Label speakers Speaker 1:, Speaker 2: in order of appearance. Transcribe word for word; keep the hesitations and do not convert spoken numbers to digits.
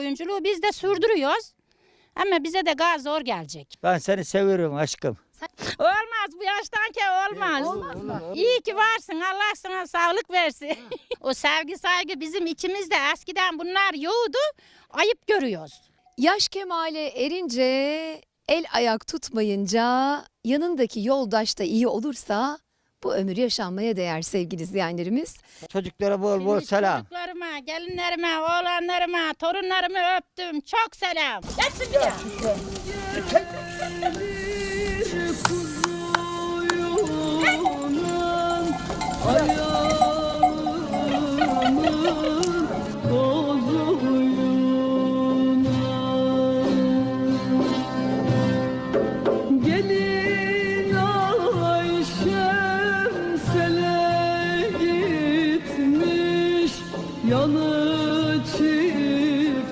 Speaker 1: oyunculuğu biz de sürdürüyoruz. Ama bize de gaz zor gelecek.
Speaker 2: Ben seni seviyorum aşkım.
Speaker 1: Olmaz bu yaştan ki olmaz.
Speaker 3: Olmaz mı?
Speaker 1: İyi ki varsın, Allah sana sağlık versin. O sevgi saygı bizim içimizde, eskiden bunlar yoktu, ayıp görüyoruz.
Speaker 3: Yaş kemale erince, el ayak tutmayınca, yanındaki yoldaş da iyi olursa bu ömür yaşanmaya değer sevgili izleyenlerimiz.
Speaker 2: Çocuklara bol bol
Speaker 1: Şimdi
Speaker 2: selam.
Speaker 1: Çocuklarıma, gelinlerime, oğlanlarıma, torunlarımı öptüm. Çok selam. Geçsin bir daha.
Speaker 4: Ay